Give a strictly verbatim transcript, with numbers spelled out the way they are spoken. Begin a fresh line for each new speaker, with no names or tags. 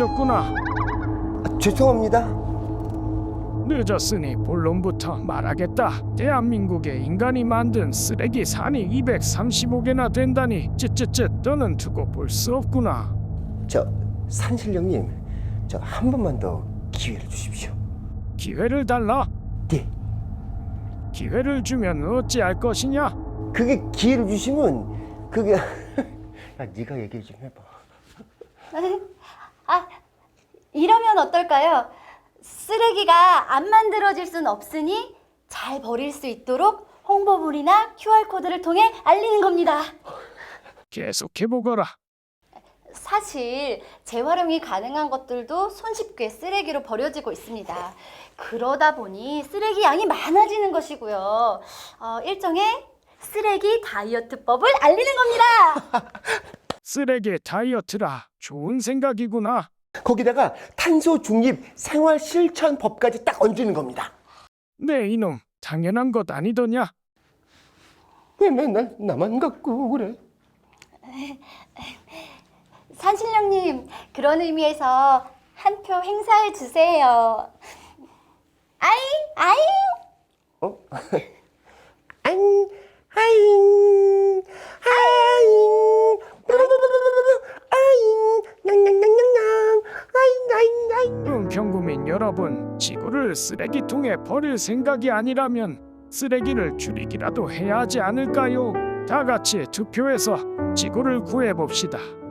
늦었구나.
아, 죄송합니다.
늦었으니 본론부터 말하겠다. 대한민국에 인간이 만든 쓰레기 산이 이백삼십오 개나 된다니 쯧쯧쯧 너는 두고 볼 수 없구나.
저 산신령님, 저 한 번만 더 기회를 주십시오.
기회를 달라?
네,
기회를 주면 어찌할 것이냐?
그게 기회를 주시면 그게 아, 네가 얘기 좀 해봐.
아, 이러면 어떨까요? 쓰레기가 안 만들어질 순 없으니 잘 버릴 수 있도록 홍보물이나 큐알코드를 통해 알리는 겁니다.
계속해보거라.
사실 재활용이 가능한 것들도 손쉽게 쓰레기로 버려지고 있습니다. 그러다 보니 쓰레기 양이 많아지는 것이고요. 어, 일종의 쓰레기 다이어트법을 알리는 겁니다.
쓰레기 다이어트라. 좋은 생각이구나.
거기다가 탄소 중립 생활 실천 법까지 딱 얹는 겁니다.
네 이놈 당연한 것 아니더냐?
왜 맨날 나만 갖고 그래?
산신령님, 그런 의미에서 한 표 행사해 주세요. 아잉, 아잉.
어? 아잉, 아잉, 아잉, 아잉, 냥냥냥냥냥, 아잉, 아잉, 아잉.
은평구민 여러분, 지구를 쓰레기통에 버릴 생각이 아니라면 쓰레기를 줄이기라도 해야 하지 않을까요? 다 같이 투표해서 지구를 구해봅시다.